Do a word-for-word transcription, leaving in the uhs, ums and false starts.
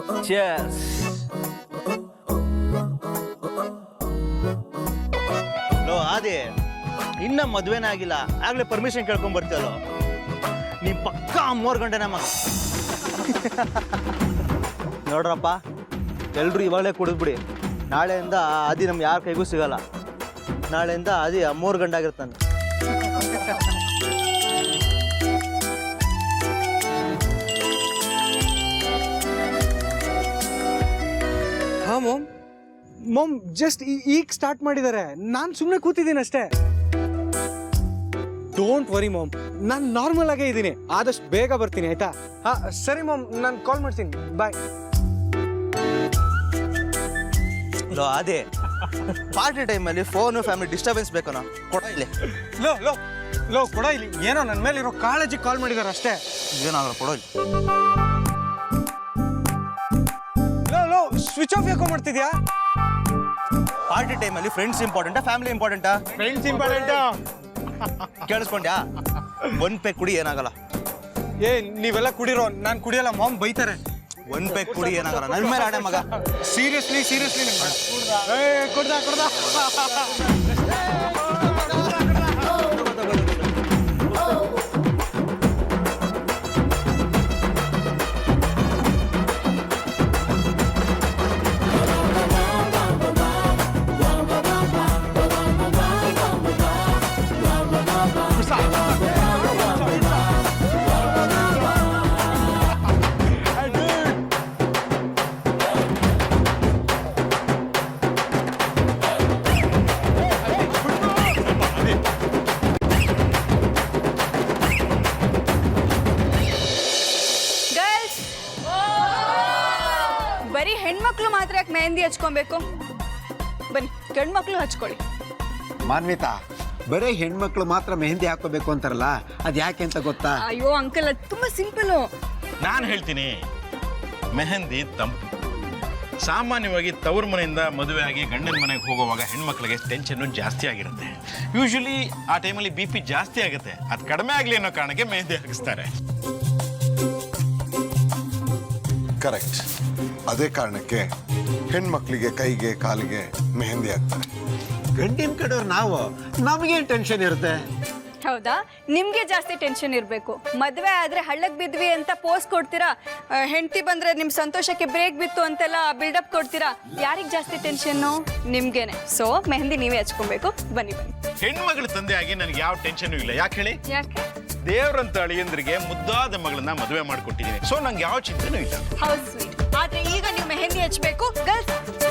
Cheers. Low ಆದಿ ಇನ್ನ ಮದ್ವೆನೇ ಆಗಿಲ್ಲ ಆಗ್ಲೇ ಪರ್ಮಿಷನ್ ಕೇಳ್ಕೊಂಡ್ ಬರ್ತೀಯಲ್ಲ ನೀ ಪಕ್ಕ ಮೂರು ಗಂಟೆನ ಮಗ ನೋಡ್ರಪ್ಪ ಎಲ್ರು ಇವಾಗಲೇ ಕುಡಿದ್ಬಿಡಿ ನಾಳೆಯಿಂದ ಆದಿ ನಮ್ಗೆ ಯಾರ ಕೈಗೂ ಸಿಗಲ್ಲ ನಾಳೆಯಿಂದ ಆದಿ ಮೂರು ಗಂಟೆ ಆಗಿರ್ತಾನೆ ಹಾ ಮೋಮ್ ಮೋಮ್ ಜಸ್ಟ್ ಈಗ ಸ್ಟಾರ್ಟ್ ಮಾಡಿದ್ದಾರೆ ನಾನು ಸುಮ್ಮನೆ ಕೂತಿದ್ದೀನಿ ಅಷ್ಟೇ ಡೋಂಟ್ ವರಿ ಮೋಮ್ ನಾನು ನಾರ್ಮಲ್ ಆಗೇ ಇದ್ದೀನಿ ಆದಷ್ಟು ಬೇಗ ಬರ್ತೀನಿ ಆಯ್ತಾ ಹಾ ಸರಿ ಮೋಮ್ ನಾನು ಕಾಲ್ ಮಾಡ್ತೀನಿ ಬಾಯ್ ಲೋ ಅದೇ ಪಾರ್ಟಿ ಟೈಮಲ್ಲಿ ಫೋನು ಫ್ಯಾಮಿಲಿ ಡಿಸ್ಟರ್ಬೆನ್ಸ್ ಬೇಕನೋ ಕೊಡ ಇಲ್ಲಿ ಲೋ ಲೋ ಲೋ ಕೊಡ ಇಲ್ಲಿ ಏನೋ ನನ್ನ ಮೇಲೆ ಇರೋ ಕಾಳಜಿ ಕಾಲ್ ಮಾಡಿದ್ದಾರೆ ಅಷ್ಟೇ ಏನಾಗಲ್ಲ ಕೊಡೋ ಇಲ್ಲಿ ಲೋ ಲೋ ಸ್ವಿಚ್ ಆಫ್ ಯಾಕೋ ಮಾಡ್ತಿದ್ಯಾ ಪಾರ್ಟಿ ಟೈಮಲ್ಲಿ ಫ್ರೆಂಡ್ಸ್ ಇಂಪಾರ್ಟೆಂಟಾ ಫ್ಯಾಮಿಲಿ ಇಂಪಾರ್ಟೆಂಟಾ ಫ್ರೆಂಡ್ಸ್ ಇಂಪಾರ್ಟೆಂಟಾ ಕೇಳಿಸ್ಕೊಂಡ್ಯಾ ಒಂದ್ ಪೇ ಕುಡಿ ಏನಾಗಲ್ಲ ಏ ನೀವೆಲ್ಲ ಕುಡಿರೋ ನಾನು ಕುಡಿಯಲ್ಲ ಮಾಮ್ ಬೈತಾರೆ ಒಂದ್ ಪೇ ಕುಡಿ ಏನಾಗಲ್ಲ ನನ್ ಮೇಲೆ ಆಡೆ ಮಗ ಸೀರಿಯಸ್ಲಿ ಸೀರಿಯಸ್ಲಿ ಕೊಡ್ದ ಕೊಡ್ದ ಬರೀ ಹೆಣ್ಮಕ್ಳು ಮಾತ್ರ ಯಾಕೆ ಮೆಹಂದಿ ಹಚ್ಕೊಬೇಕು ಬನ್ನಿ ಗಂಡು ಮಕ್ಳು ಹಚ್ಕೊಳ್ಳಿ ಮಾನ್ವಿತಾ ಬರೀ ಹೆಣ್ಮಕ್ಳು ಮಾತ್ರ ಮೆಹಂದಿ ಹಾಕೋಬೇಕು ಅಂತಾರಲ್ಲ ಅದು ಯಾಕೆ ಅಂತ ಗೊತ್ತಾ ಅಯ್ಯೋ ಅಂಕಲ್ ಅದು ತುಂಬಾ ಸಿಂಪಲು ನಾನು ಹೇಳ್ತೀನಿ ಮೆಹಂದಿ ತಂಪು ಸಾಮಾನ್ಯವಾಗಿ ತವ್ರ ಮನೆಯಿಂದ ಮದುವೆ ಆಗಿ ಗಂಡನ ಮನೆಗೆ ಹೋಗುವಾಗ ಹೆಣ್ಮಕ್ಳಿಗೆ ಟೆನ್ಷನ್ನು ಜಾಸ್ತಿ ಆಗಿರುತ್ತೆ ಯೂಶಲಿ ಆ ಟೈಮಲ್ಲಿ ಬಿ ಪಿ ಜಾಸ್ತಿ ಆಗುತ್ತೆ ಅದು ಕಡಿಮೆ ಆಗಲಿ ಅನ್ನೋ ಕಾರಣಕ್ಕೆ ಮೆಹಂದಿ ಹಾಕಿಸ್ತಾರೆ ಕರೆಕ್ಟ್ ಅದೇ ಕಾರಣಕ್ಕೆ ಹೆಣ್ಮಕ್ಳಿಗೆ ಕೈಗೆ ಕಾಲಿಗೆ ಮೆಹಂದಿ ಹಾಕ್ತಾರೆ ಗಂಡಿನ ಕಡೆಯವ್ರು ನಾವು ನಮಗೇನು ಟೆನ್ಷನ್ ಇರುತ್ತೆ ಹೌದಾ ನಿಮ್ಗೆ ಜಾಸ್ತಿ ಟೆನ್ಷನ್ ಇರಬೇಕು ಮದುವೆ ಆದ್ರೆ ಹಳ್ಳಕ್ ಬಿದ್ವಿ ಅಂತ ಪೋಸ್ ಕೊಡ್ತೀರಾ ಹೆಂಡತಿ ಬಂದ್ರೆ ನಿಮ್ ಸಂತೋಷಕ್ಕೆ ಬ್ರೇಕ್ ಬಿತ್ತು ಅಂತೆಲ್ಲ ಬಿಲ್ಡಪ್ ಕೊಡ್ತೀರಾ ಯಾರಿಗೆ ಜಾಸ್ತಿ ಟೆನ್ಷನ್ನು ನಿಮ್ಗೇನೆ ಸೊ ಮೆಹಂದಿ ನೀವೇ ಹಚ್ಕೊಬೇಕು ಬನ್ನಿ ಬನ್ನಿ ಹೆಣ್ಮಗಳ ತಂದೆ ಆಗಿ ನನಗೆ ಯಾವ ಟೆನ್ಷನ್ ಇಲ್ಲ ಯಾಕೆ ಹೇಳಿ ಯಾಕೆ ದೇವ್ರಂತ ಅಳಿಯಂದ್ರಿಗೆ ಮುದ್ದಾದ ಮಗಳನ್ನ ಮದುವೆ ಮಾಡಿಕೊಟ್ಟಿದ್ದೀನಿ ಸೊ ನಂಗೆ ಯಾವ ಚಿಂತೆನೂ ಇಲ್ಲ ಹೌದು ಸ್ವೀಟ್ ಆದ್ರೆ ಈಗ ನೀವು ಮೆಹಂದಿ ಹಚ್ಬೇಕು ಗರ್ಲ್ಸ್